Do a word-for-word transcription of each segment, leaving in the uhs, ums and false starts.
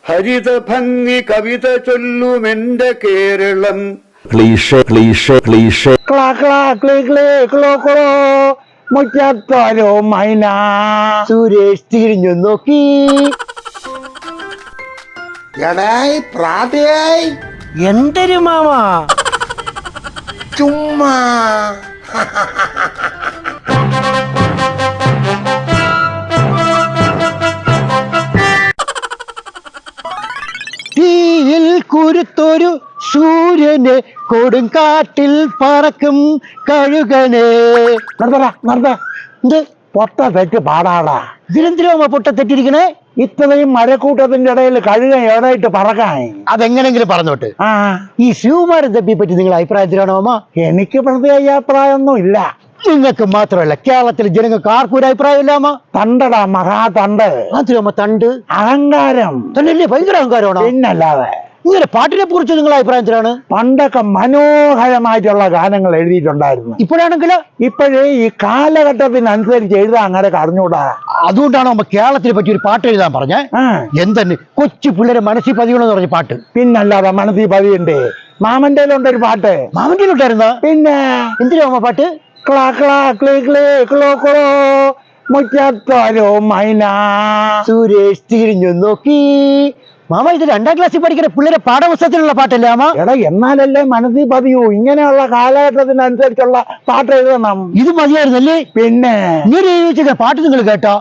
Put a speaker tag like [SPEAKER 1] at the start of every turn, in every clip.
[SPEAKER 1] ഹരിത ഭംഗി കവിത ചൊല്ലുമെന്റെ കേരളം. മുറ്റത്തോരോ മൈന.
[SPEAKER 2] സുരേഷ് തിരിഞ്ഞു നോക്കി.
[SPEAKER 3] എടായി പ്രാതയായി
[SPEAKER 2] എന്തൊരു മാമ
[SPEAKER 3] ചുമ്മാ.
[SPEAKER 2] തീയിൽ കുരുത്തൊരു സൂര്യന് കൊടുങ്കാട്ടിൽ പറക്കും കഴുകനെ.
[SPEAKER 1] നടത്തടാ നടത്ത.
[SPEAKER 2] എന്ത്
[SPEAKER 1] പൊട്ട തെറ്റ് പാടാടാ.
[SPEAKER 2] ഇതിനെന്തിനാ പൊട്ട തെറ്റിരിക്കണേ?
[SPEAKER 1] ഇത്രയും മരക്കൂട്ടത്തിന്റെ ഇടയിൽ കഴുക എവിടെയിട്ട് പറക്കാൻ?
[SPEAKER 2] അതെങ്ങനെങ്കിലും പറഞ്ഞോട്ട്.
[SPEAKER 1] ആ
[SPEAKER 2] ഈ ശിവകുമാരൻ തപ്പിയെ പറ്റി നിങ്ങൾ അഭിപ്രായത്തിലാണോ അമ്മ?
[SPEAKER 1] എനിക്ക് പ്രത്യേക അഭിപ്രായമൊന്നും ഇല്ല.
[SPEAKER 2] നിങ്ങൾക്ക് മാത്രമല്ല കേരളത്തിലെ ജനങ്ങൾക്ക് ആർക്കും ഒരു അഭിപ്രായം ഇല്ലാമ.
[SPEAKER 1] തണ്ടടാ മഹാ തണ്ട്.
[SPEAKER 2] അതിലമ്മ തണ്ട്
[SPEAKER 1] അഹങ്കാരം
[SPEAKER 2] തണ്ടല്ലേ? ഭയങ്കര അഹങ്കാരമാണോ?
[SPEAKER 1] പിന്നല്ലാതെ.
[SPEAKER 2] ഇങ്ങനെ പാട്ടിനെ കുറിച്ച് നിങ്ങൾ അഭിപ്രായത്തിലാണ്?
[SPEAKER 1] പണ്ടൊക്കെ മനോഹരമായിട്ടുള്ള ഗാനങ്ങൾ എഴുതിയിട്ടുണ്ടായിരുന്നു.
[SPEAKER 2] ഇപ്പോഴാണെങ്കിലോ
[SPEAKER 1] ഇപ്പോഴേ ഈ കാലഘട്ടത്തിനനുസരിച്ച് എഴുതാൻ അങ്ങനെ അറിഞ്ഞൂടാ.
[SPEAKER 2] അതുകൊണ്ടാണ് നമ്മ കേരളത്തിനെ പറ്റി ഒരു പാട്ട് എഴുതാൻ പറഞ്ഞ. എന്തെന്ന് കൊച്ചു പിള്ളേരെ മനസ്സിൽ പതിയണമെന്ന് പറഞ്ഞ പാട്ട്.
[SPEAKER 1] പിന്നല്ലാതെ മനസ്സിൽ പതിയുണ്ട്. മാമന്റെ ഉണ്ടൊരു പാട്ട്.
[SPEAKER 2] മാമന്റെ ഉണ്ടായിരുന്ന പിന്നെ എന്തിനാ അമ്മ പാട്ട്?
[SPEAKER 1] ക്ലാ ക്ലാ ക്ലേ ക്ലേ ക്ലോ ക്ലോ മുറ്റത്തോരോ മൈന.
[SPEAKER 2] സുരേഷ് തിരിഞ്ഞു നോക്കി. മാമ ഇത് രണ്ടാം ക്ലാസ്സിൽ പഠിക്കുന്ന പിള്ളേരെ പാഠപുസ്തകത്തിലുള്ള പാട്ടല്ലേ അമ്മ?
[SPEAKER 1] എടാ എന്നാലല്ലേ മനസ്സിൽ പതിയൂ. ഇങ്ങനെയുള്ള കാലഘട്ടത്തിനനുസരിച്ചുള്ള പാട്ട് എഴുതണം.
[SPEAKER 2] ഇത് മതിയായിരുന്നല്ലേ?
[SPEAKER 1] പിന്നെ
[SPEAKER 2] ഇങ്ങനെ പാട്ട് നിങ്ങൾ കേട്ടോ?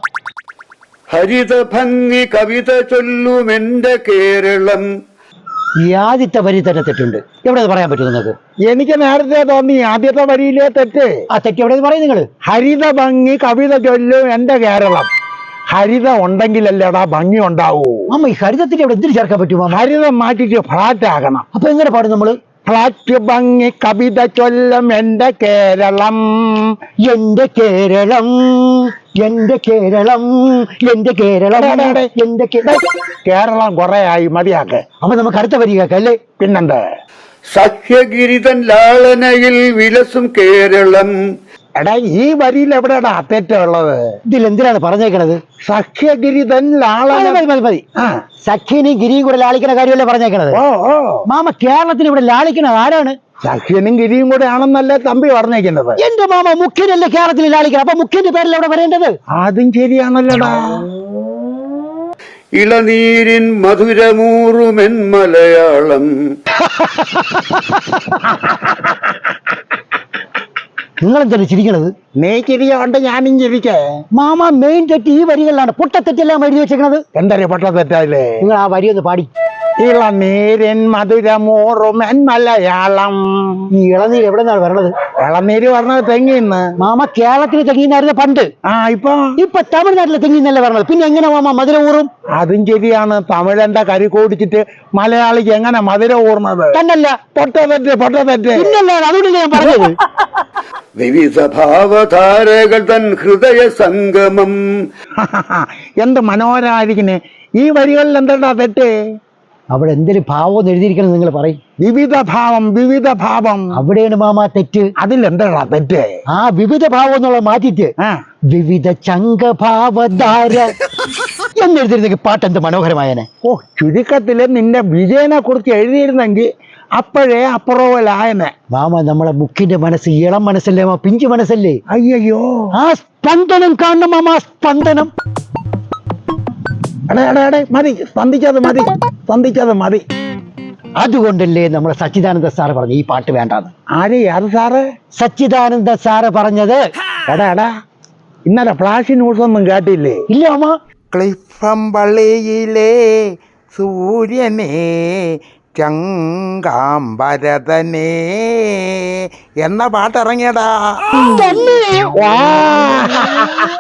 [SPEAKER 1] ഹരിത ഭംഗി കവിത ചൊല്ലുമെന്റെ കേരളം.
[SPEAKER 2] ഈ ആദ്യത്തെ വരി തന്നെ തെറ്റുണ്ട്. എവിടെ പറയാൻ പറ്റും നിങ്ങൾക്ക്?
[SPEAKER 1] എനിക്ക് നേരത്തെ തോന്നി ആദ്യത്തെ വരിയിലെ തെറ്റ്.
[SPEAKER 2] ആ തെറ്റ് എവിടെ പറയും നിങ്ങൾ?
[SPEAKER 1] ഹരിത ഭംഗി കവിത ചൊല്ലും എന്റെ കേരളം. ഹരിത ഉണ്ടെങ്കിലല്ലേടാ ഭംഗി ഉണ്ടാവൂ.
[SPEAKER 2] അമ്മ ഈ ഹരിതത്തിന് എവിടെ എന്തിനു ചേർക്കാൻ പറ്റുമോ?
[SPEAKER 1] ഹരിതം മാറ്റിട്ട് ഫ്ലാറ്റ് ആകണം.
[SPEAKER 2] അപ്പൊ എങ്ങനെ പാടും നമ്മള്?
[SPEAKER 1] ഫ്ലാറ്റ് ഭംഗി കവിത ചൊല്ലും എന്റെ കേരളം.
[SPEAKER 2] എന്റെ കേരളം എന്റെ കേരളം എന്റെ കേരളം എന്റെ
[SPEAKER 1] കേരളം കൊറേ ആയി, മതിയാക്ക്.
[SPEAKER 2] അപ്പൊ നമുക്ക് അടുത്ത വരി കേൾക്കല്ലേ?
[SPEAKER 1] പിന്നെന്ത്? സഖ്യഗിരിതൻ ലാളനയിൽ വിലസും കേരളം. എടാ ഈ വരിയിൽ എവിടെയാടാ തെറ്റുള്ളത്?
[SPEAKER 2] ഇതിൽ എന്തിനാണ് പറഞ്ഞേക്കണത്?
[SPEAKER 1] സഖ്യഗിരിതൻ ലാളന.
[SPEAKER 2] മതി മതി മതി. സഖ്യനെയും ഗിരിയും കൂടെ ലാളിക്കുന്ന കാര്യമല്ലേ പറഞ്ഞേക്കണത്?
[SPEAKER 1] ഓ ഓ
[SPEAKER 2] മാമ കേരളത്തിന് ഇവിടെ ലാളിക്കണത് ആരാണ്?
[SPEAKER 1] സഖ്യനും ഗിരിയും കൂടെ ആണെന്നല്ലേ തമ്പി പറഞ്ഞേക്കുന്നത്.
[SPEAKER 2] എന്റെ മാമ മുഖ്യനല്ലേ കേരളത്തിൽ ലാളിക്കണം. അപ്പൊ മുഖ്യന്റെ പേരിൽ എവിടെ വരേണ്ടത്?
[SPEAKER 1] അതും ശരിയാണല്ലോടാ. ഇളനീരിൻ മധുരമൂറുമെൻ മലയാളം.
[SPEAKER 2] നിങ്ങൾ എന്താണ് ചിരിക്കണത്?
[SPEAKER 1] നീ ചിരിയോണ്ട് ഞാനും ചിരിക്കേ.
[SPEAKER 2] മാമ മെയിൻ തെറ്റ് ഈ വരികളിലാണ്. പൊട്ടത്തെറ്റെല്ലാം എഴുതി വെച്ചേക്കണത്.
[SPEAKER 1] എന്തൊരു പൊട്ടത്തെറ്റല്ലേ?
[SPEAKER 2] നിങ്ങൾ ആ വരി ഒന്ന് പാടി.
[SPEAKER 1] ഇളനീരിൻ മധുരമൂറുമെൻ മലയാളം.
[SPEAKER 2] ഈ ഇളനീര് എവിടെ നിന്നാണ് വരണത്?
[SPEAKER 1] ഇളനീര് പറഞ്ഞത് തെങ്ങിന്ന്.
[SPEAKER 2] മാമ കേരളത്തിൽ തെങ്ങിന്നായിരുന്നു പണ്ട്.
[SPEAKER 1] ആ ഇപ്പൊ
[SPEAKER 2] ഇപ്പൊ തമിഴ്നാട്ടിലെ തെങ്ങിന്നല്ലേ പറഞ്ഞത്. പിന്നെ എങ്ങനെ മാമ മധുര ഊറും?
[SPEAKER 1] അതും ശരിയാണ്. തമിഴന്റെ കരി കൂടിച്ചിട്ട് മലയാളിക്ക് എങ്ങനെ മധുര ഊർന്നത്?
[SPEAKER 2] തന്നല്ല
[SPEAKER 1] പൊട്ടത്തെറ്റ് പൊട്ടത്തെറ്റ്.
[SPEAKER 2] പിന്നല്ല, അതുകൊണ്ട് ഞാൻ പറഞ്ഞത്.
[SPEAKER 1] വിവിധ ഭാവധാരകൾ തൻ ഹൃദയ സംഗമം. എന്ത് മനോഹരായിരിക്കണേ ഈ വരികളിൽ. എന്താ തെറ്റ്?
[SPEAKER 2] അവിടെ എന്തൊരു ഭാവം എഴുതിയിരിക്കണം നിങ്ങൾ പറയും.
[SPEAKER 1] വിവിധ ഭാവം വിവിധ ഭാവം.
[SPEAKER 2] അവിടെയാണ് മാമ തെറ്റ്.
[SPEAKER 1] അതിലെന്താ തെറ്റ്?
[SPEAKER 2] ആ വിവിധ ഭാവം എന്നുള്ള മാറ്റിട്ട് വിവിധ ചങ്കഭാവധാര എന്നെഴുതിയിരുന്നെങ്കിൽ പാട്ട് എന്ത് മനോഹരമായനെ.
[SPEAKER 1] ഓ ചുരുക്കത്തില് നിന്റെ വിജയനെ കുറിച്ച് എഴുതിയിരുന്നെങ്കിൽ അപ്പോഴേ അപ്രൂവലായനെ.
[SPEAKER 2] മാമ നമ്മളെ മുഖ്യന്റെ മനസ്സ് ഇളം മനസ്സല്ലേ മാ, പിഞ്ചു മനസ്സല്ലേ.
[SPEAKER 1] അയ്യോ
[SPEAKER 2] ആ സ്പന്ദനം കാണണം മാമ, സ്പന്ദനം.
[SPEAKER 1] എടേ എടേ എടേ മതി, സ്പന്ദിച്ചത് മതി, സ്പന്ദിച്ചത് മതി.
[SPEAKER 2] അതുകൊണ്ടല്ലേ നമ്മളെ സച്ചിദാനന്ദ സാറ് പറഞ്ഞു ഈ പാട്ട് വേണ്ടാന്ന്.
[SPEAKER 1] ആര് അത് സാറ്?
[SPEAKER 2] സച്ചിദാനന്ദ സാറ് പറഞ്ഞത്.
[SPEAKER 1] എടാ എടാ ഇന്നലെ ഫ്ലാഷ് ന്യൂസ് ഒന്നും കേട്ടില്ലേ?
[SPEAKER 2] ഇല്ല മാമ.
[SPEAKER 3] ക്ലിഫംപള്ളിയിലെ സൂര്യനെ ചങ്കാംബരതനേ എന്ന പാട്ടിറങ്ങിയടാ.